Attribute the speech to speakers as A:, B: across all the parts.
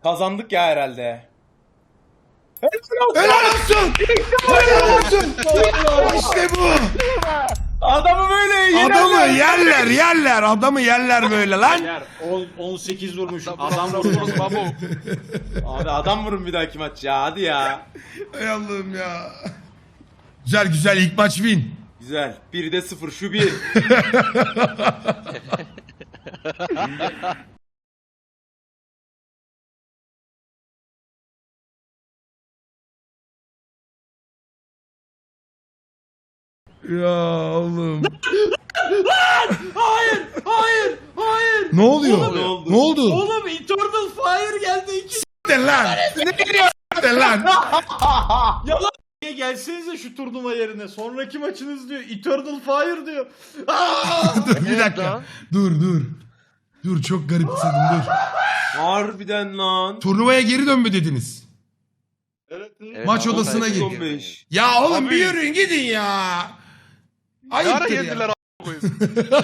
A: Kazandık ya herhalde.
B: Helal olsun. Helal olsun. İşte bu.
A: Adamı böyle yenerler.
B: Adamı yerler. Adamı yerler böyle lan.
C: Yer 18 vurmuşum. Adam vurmuş babu.
A: Abi adam vurun bir dahaki maç ya, hadi ya.
B: Hay Allah'ım ya. Güzel ilk maç win.
A: Güzel. 1'de 0 şu 1.
B: Ya oğlum.
C: Hayır.
B: Ne oluyor?
A: Ne oldu?
B: Ne oldu?
C: Oğlum Eternal Fire geldi.
B: Siktir lan. Siktir lan.
C: Niye gelsenize şu turnuva yerine. Sonraki maçınız diyor. Eternal Fire diyor.
B: Dur bir dakika. Dur. Dur çok garipsedim dur.
A: Harbiden lan.
B: Turnuvaya geri dön mü dediniz?
C: Evet.
B: Maç
D: ama
B: odasına
D: belki
B: gir.
A: 15.
B: Ya oğlum
D: Abi.
B: bir yürüyün gidin ya.
D: Ne ara
B: Ayıptır
D: geldiler
B: ya.
D: koyayım.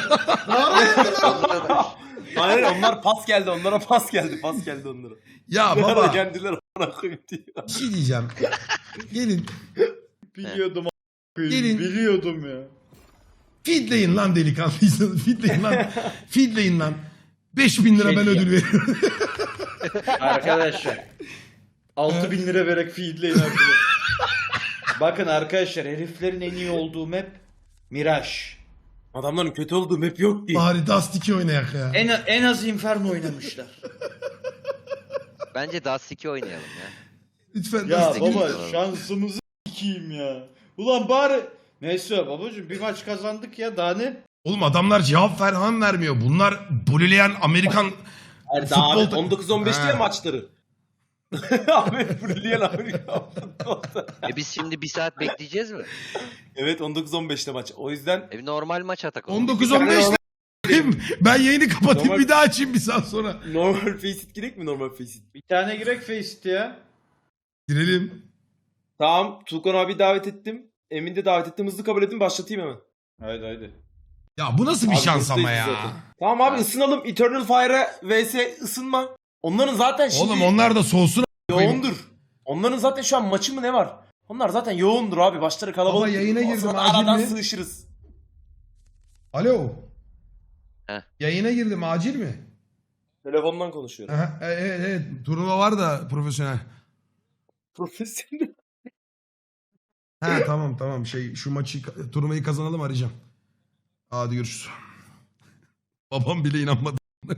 A: Hayır, onlar pas geldi. Onlara pas geldi onlara.
B: Ya
A: Ne ara
B: baba
A: geldiler ona koyayım diyor.
B: bir şey diyeceğim. Gelin
C: Biliyordum
B: Gelin.
C: Biliyordum ya.
B: feedleyin lan delikanlıysanız. Feedleyin lan. 5.000 lira ben ödül veriyorum.
C: Arkadaşlar 6.000 lira vererek feedleyin arkadaşlar. Bakın arkadaşlar heriflerin en iyi olduğu map Mirage.
A: Adamların kötü olduğu map yok ki.
B: Bari Dust 2 oynayak ya.
C: En az Inferno oynamışlar.
D: Bence Dust 2 oynayalım ya.
B: Lütfen
C: Ya
B: Dust 2.
C: baba şansımızı s**eyim ya. Ulan bari neyse babacığım bir maç kazandık ya daha ne?
B: Oğlum adamlar cevap falan vermiyor. Bunlar bulileyen Amerikan
A: Hayır, daha abi,
B: futbol...
A: 19-15 diye
B: Ha.
A: maçları. Abi Brilliant Amerika.
D: Biz şimdi bir saat bekleyeceğiz mi?
A: Evet, 19-15'te maç. O yüzden
D: Bir normal maç atak oğlum.
B: 19-15 ben yayını kapatayım
A: Normal-
B: bir daha açayım bir saat sonra.
A: normal Faceit girek mi, normal Faceit?
C: Bir tane girek Faceit ya.
B: Girelim.
A: Tamam, Tuğkan abi davet ettim. Emin de davet ettim. Hızlı kabul edin, başlatayım hemen.
C: Haydi.
B: Ya bu nasıl bir
A: Abi
B: şans ama
A: buradayız
B: ya.
A: zaten. Tamam abi, ısınalım. Eternal Fire'a vs ısınma. Onların zaten şimdi
B: Oğlum onlar da soğusun.
A: yoğundur. Onların zaten şu an maçı mı ne var? Onlar zaten yoğundur abi. Başları kalabalık.
B: Baba yayına
A: O
B: girdim,
A: sırada
B: acil
A: aradan
B: mi?
A: sığışırız.
B: Alo.
D: Heh.
B: Yayına girdim acil mi?
A: Telefondan konuşuyorum.
B: Aha, evet turnuva var da profesyonel.
A: Profesyonel.
B: Ha tamam şu maçı turnuvayı kazanalım arayacağım. Hadi görüşürüz. Babam bile inanmadı.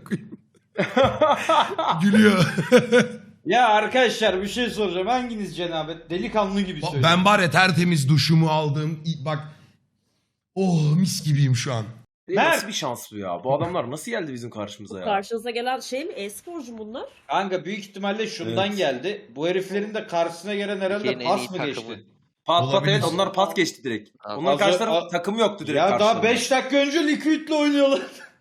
B: Gülüyor.
C: Ya arkadaşlar bir şey soracağım. Hanginiz cenabet? Delikanlı gibi söyleyin.
B: Ben var ya tertemiz duşumu aldım. Bak. Oh mis gibiyim şu an.
A: Nasıl bir şans bu ya? Bu adamlar nasıl geldi bizim karşımıza ya?
E: Karşınıza gelen şey mi? E-sporcu bunlar.
C: Kanka büyük ihtimalle şundan
A: Evet.
C: geldi. Bu heriflerin de karşısına gelen herhalde
D: Türkiye'nin en
C: pas
D: iyi
C: mı
D: takımı.
C: geçti?
A: Pat
B: Olabilir.
A: evet, onlar pas geçti direkt.
D: Abi,
A: Onların karşı tarafı
C: az-
A: takımı yoktu direkt
C: Ya daha
A: karşılarında.
C: 5 dakika önce Liquid'le oynuyorlar.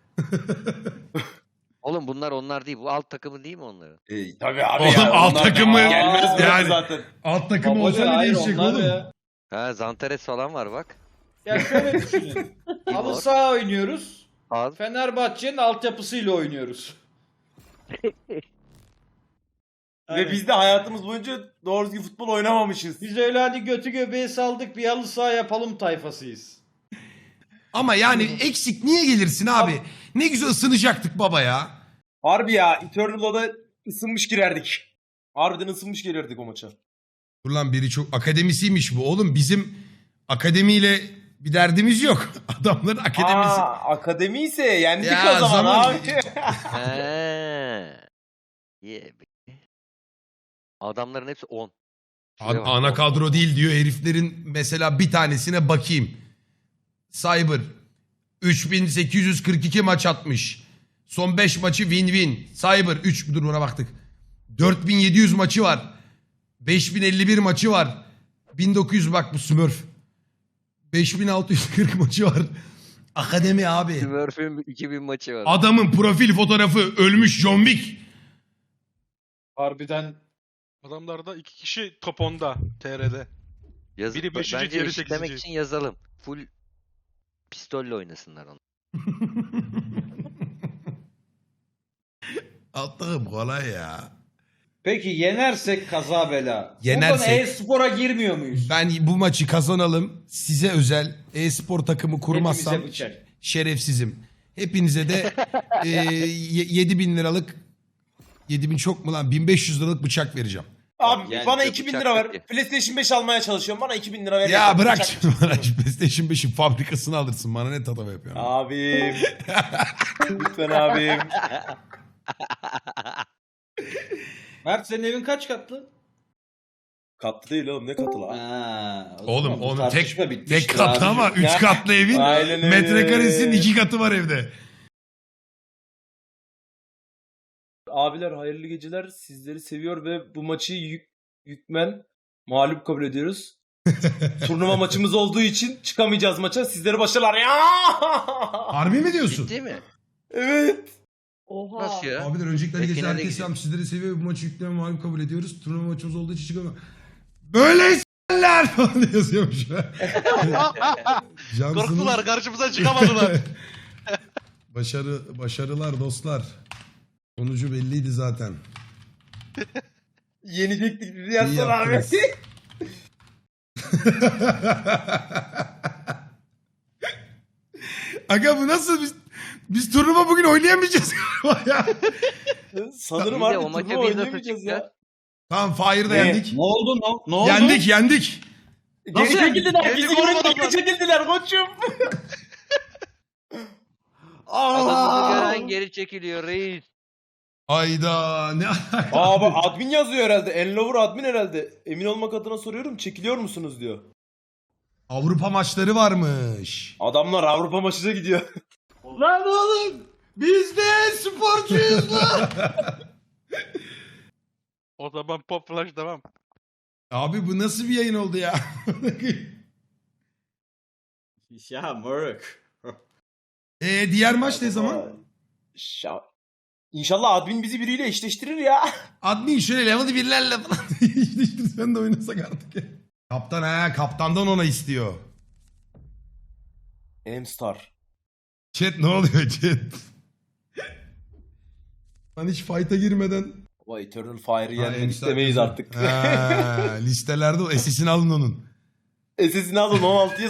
D: Oğlum bunlar onlar değil. Bu alt takımı değil mi onların?
A: Tabii abi
B: Oğlum,
A: ya.
B: alt
A: onlar
B: takımı
A: gelmez buraya
B: yani.
A: zaten.
B: Alt takım
C: Babacı,
B: olsa ne
C: hayır,
B: değişecek
C: onlar
B: oğlum?
C: ya.
D: Ha Zantares falan var bak.
C: Ya şöyle düşünün. Halı
D: Timor.
C: saha oynuyoruz.
D: Az.
C: Fenerbahçe'nin altyapısıyla oynuyoruz.
A: Ve biz de hayatımız boyunca doğru düzgün futbol oynamamışız.
C: Biz öyle hadi götü göbeği saldık bir halı saha yapalım tayfasıyız.
B: Ama yani eksik niye gelirsin abi? Ne güzel ısınacaktık baba ya.
A: Harbi ya, Eternal'a da ısınmış girerdik. Harbiden ısınmış gelirdik o maça.
B: Dur lan biri çok akademisiymiş bu. Oğlum bizim akademiyle bir derdimiz yok. Adamların akademisi.
A: Akademi ise yendik
B: Ya,
A: o zaman
B: zaman-
A: abi.
D: He. Yeah. Adamların hepsi 10. Şuraya bak,
B: Ana
D: 10.
B: kadro değil diyor heriflerin mesela bir tanesine bakayım. Cyber 3842 maç atmış. Son 5 maçı win-win. Cyber 3 dur buna baktık. 4700 maçı var. 5051 maçı var. 1900 bak bu Smurf. 5640 maçı var. Akademi abi.
D: Smurf'ün 2000 maçı var.
B: Adamın profil fotoğrafı ölmüş John Wick.
C: Harbiden
F: Adamlarda 2 kişi top 10'da TR'de.
D: Yazık.
F: biri beşinci,
D: Bence
F: diğeri
D: eşitlemek
F: sekizinci.
D: için yazalım. Full pistolle oynasınlar onu.
B: Allah'ım kolay ya.
C: Peki yenersek kaza bela.
B: Yenersek-
C: Buradan e-spora girmiyor muyuz?
B: Ben bu maçı kazanalım. Size özel e-spor takımı kurmazsam
C: Hepimize bıçak.
B: şerefsizim. Hepinize de 7.000 liralık 7.000 çok mu lan? 1.500 liralık bıçak vereceğim.
A: Abi
D: Yani
A: bana
D: bir
A: 2000
D: bıçak
A: lira ver.
D: yok ki.
A: PlayStation 5 almaya çalışıyorum. Bana 2000 lira ver.
B: Ya
A: yeter.
B: bırak
A: Bıçak-
B: şimdi bana şu PlayStation 5'in fabrikasını alırsın. Bana ne tatava yapıyorsun?
A: Abim. Lütfen abim.
C: Mert senin evin kaç katlı?
A: Katlı değil oğlum, ne katı lan?
C: Ha, o
B: Oğlum
C: zaman bu
B: onun
C: tartışma
B: tek
C: bitmiştir
B: katlı
C: abicim.
B: ama 3
A: Ya.
B: katlı evin
A: Aynen öyle.
B: metrekaresinin 2 katı var evde.
A: Abiler hayırlı geceler. Sizleri seviyor ve bu maçı yükmen mağlup kabul ediyoruz. Turnuva maçımız olduğu için çıkamayacağız maça. Sizlere başarılar. Ya!
B: Harbi mi diyorsun?
D: Ciddi mi?
A: Evet.
E: Oha.
D: Nasıl ya?
B: Abiler öncelikle
D: Ve
B: herkese
D: finale
B: herkes
D: gideceğiz.
B: sizleri seviyor. Bu maçı yükleme mağlup kabul ediyoruz. Turnuva maçımız olduğu için çıkamıyor. Böyle s**ler falan yazıyormuş. Cansınız.
F: Korktular, karşımıza çıkamadılar.
B: Başarılar dostlar. Sonucu belliydi zaten.
A: Yenecektik.
B: İyi
A: Yazsana abi.
B: yaptınız. Aga bu nasıl biz turnuva bugün oynayamayacağız galiba ya.
A: Sanırım
D: İyi de
A: abi
D: o maça
A: turnuva
D: biz nasıl
A: oynayamayacağız ya.
D: çıkacağız?
B: Tamam Fire'da
A: Ne?
B: yendik.
C: Ne oldu? Ne oldu?
B: Yendik.
A: Geri çekildiler.
F: Geldik
A: Bizi
F: oğlum
A: görünce
F: adamlar.
A: geri çekildiler koçum.
D: Adamını gören geri çekiliyor reis.
B: Ayda ne alaka?
A: Abi admin yazıyor herhalde. Enlover admin herhalde. Emin olmak adına soruyorum. Çekiliyor musunuz diyor.
B: Avrupa maçları varmış.
A: Adamlar Avrupa maçına gidiyor.
C: Lan oğlum! Biz de sporcuyuz lan!
F: O zaman Pop Flash devam.
B: Abi bu nasıl bir yayın oldu ya?
C: Ya moruk.
B: Diğer maç ne zaman?
A: İnşallah admin bizi biriyle eşleştirir ya.
B: Admin şöyle level birlerle falan eşleştirsen de oynasak artık ya. Kaptandan ona istiyor.
A: M-Star.
B: Chat ne oluyor chat? Ben hiç fight'a girmeden...
A: Baba Eternal Fire'ı
B: Ha,
A: yenmek
B: M-Star
A: istemeyiz
B: diyorsun.
A: artık.
B: Ha, listelerde o SS'ini alın onun.
A: SS'ini alın 16'ya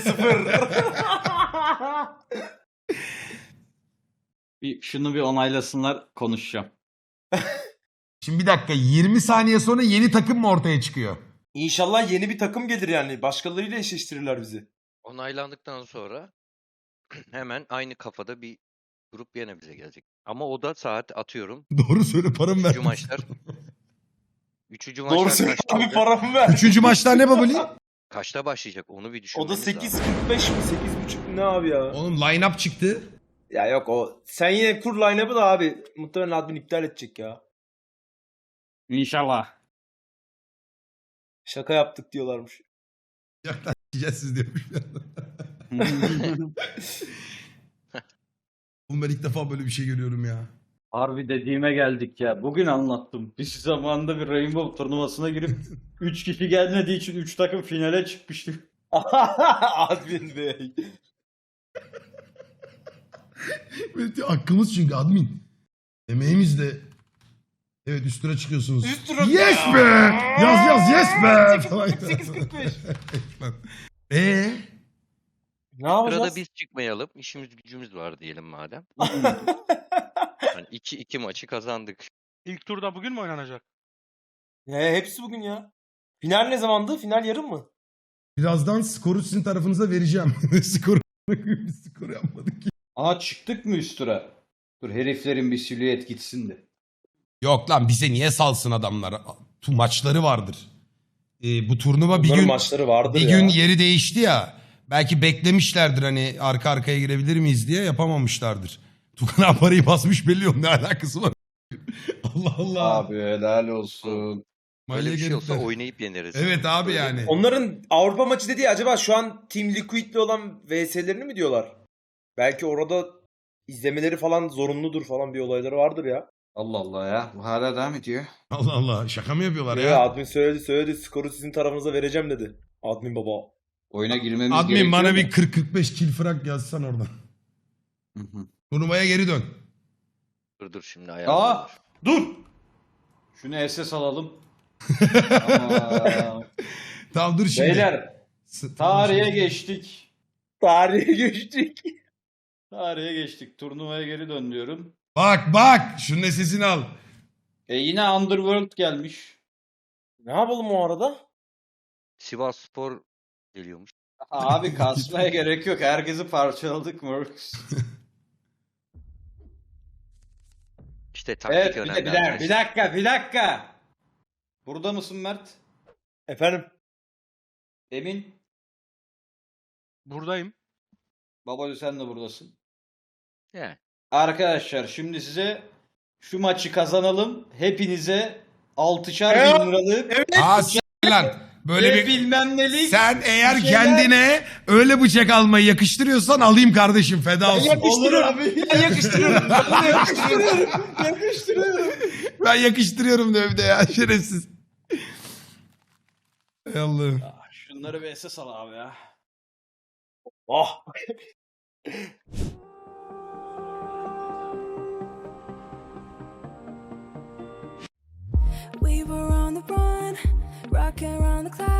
A: 0.
C: Şunu bir onaylasınlar, konuşacağım.
B: Şimdi bir dakika 20 saniye sonra yeni takım mı ortaya çıkıyor?
A: İnşallah yeni bir takım gelir yani. Başkalarıyla eşleştirirler bizi.
D: Onaylandıktan sonra hemen aynı kafada bir grup yine bize gelecek. Ama o da saat atıyorum.
B: Doğru söyle paramı ver.
D: Üçüncü maçlar. Üçüncü maçlar
A: Doğru söyle
D: kaçta
A: abi,
D: olacak?
A: paramı ver.
B: Üçüncü maçlar ne babali?
D: Kaçta başlayacak onu bir
A: O
D: düşünmemiz
A: da
D: lazım.
A: 8.45 mi? 8.30 mu ne abi ya?
B: Oğlum line-up çıktı.
A: Ya yok o. Sen yine kur line-up'ı da abi. Muhtemelen admin iptal edecek ya.
C: İnşallah.
A: Şaka yaptık diyorlarmış.
B: Yaklaşacağız siz diyormuş. Oğlum ben ilk defa böyle bir şey görüyorum ya.
C: Harbi dediğime geldik ya. Bugün anlattım. Biz zamanında bir Rainbow turnuvasına girip 3 kişi gelmediği için 3 takım finale çıkmıştık.
A: Admin Bey.
B: Böyle hakkımız çünkü admin. Emeğimiz de. Evet üst tura çıkıyorsunuz.
A: Üst tura-
B: Yes be! Yaz yes be! Falan.
A: 8.45. Ne yapacağız?
D: Sırada biz çıkmayalım. İşimiz gücümüz var diyelim madem. Yani 2-2 maçı kazandık.
F: İlk turda bugün mü oynanacak?
A: Hepsi bugün ya. Final ne zamandı? Final yarın mı?
B: Birazdan skoru sizin tarafınıza vereceğim. Skoru yapmadık ki.
C: Aa çıktık mı üst tura? Dur heriflerin bir silüet gitsin de.
B: Yok lan bize niye salsın adamlar? Maçları vardır. Bu turnuva bir
A: Bunların
B: gün
A: maçları vardır
B: bir
A: ya.
B: gün yeri değişti ya. Belki beklemişlerdir hani arka arkaya girebilir miyiz diye yapamamışlardır. Tukan parayı basmış belli yok ne alakası var. Allah Allah.
C: Abi helal olsun.
D: Öyle bir şey olsa
B: herifler.
D: oynayıp yeneriz.
B: Evet abi
D: Böyle-
B: yani.
A: Onların Avrupa maçı dediği acaba şu an Team Liquid'le olan VS'lerini mi diyorlar? Belki orada izlemeleri falan zorunludur falan bir olayları vardır ya.
C: Allah Allah ya. Bu hala devam ediyor.
B: Allah Allah şaka mı yapıyorlar
A: Ya
B: ya?
A: admin söyledi skoru sizin tarafınıza vereceğim dedi. Admin baba.
C: Oyuna girmemiz
B: Admin
C: gerekiyor
B: bana
C: da.
B: bir 40-45 kill frag yazsan oradan.
C: Hı hı.
B: Turnuvaya geri dön.
D: Dur şimdi
C: Aa
D: ayarlanır.
C: dur. Şunu SS alalım. Ama...
B: Tamam dur şimdi.
C: Beyler tarihe geçtik.
A: Tarihe geçtik.
C: Tarihe geçtik. Turnuvaya geri dön diyorum.
B: Bak şunun sesini al.
C: Yine Underworld gelmiş.
A: Ne yapalım o arada?
D: Sivasspor geliyormuş.
C: Abi kasmaya gerek yok. Herkesi parçaladık Mercs.
D: İşte taktik
C: Evet
D: önemli.
C: bir dakika. Burada mısın Mert?
A: Efendim?
C: Emin?
F: Buradayım.
C: Babalı sen de buradasın.
D: Yani.
C: Arkadaşlar şimdi size şu maçı kazanalım. Hepinize 6'şar bin liralık
B: Aa s- lan. Böyle
C: ve
B: bir...
C: bilmem nelik.
B: Sen eğer
C: bir şeyler-
B: kendine öyle bıçak almayı yakıştırıyorsan alayım kardeşim feda olsun.
C: Olur abi.
A: Ben yakıştırıyorum. Ben de yakıştırıyorum.
B: Ben yakıştırıyorum diyor bir de ya şerefsiz. Ey Allah'ım.
C: Şunları bir SS al abi ya.
A: Oh.
G: We were on the run, rocking around the clock.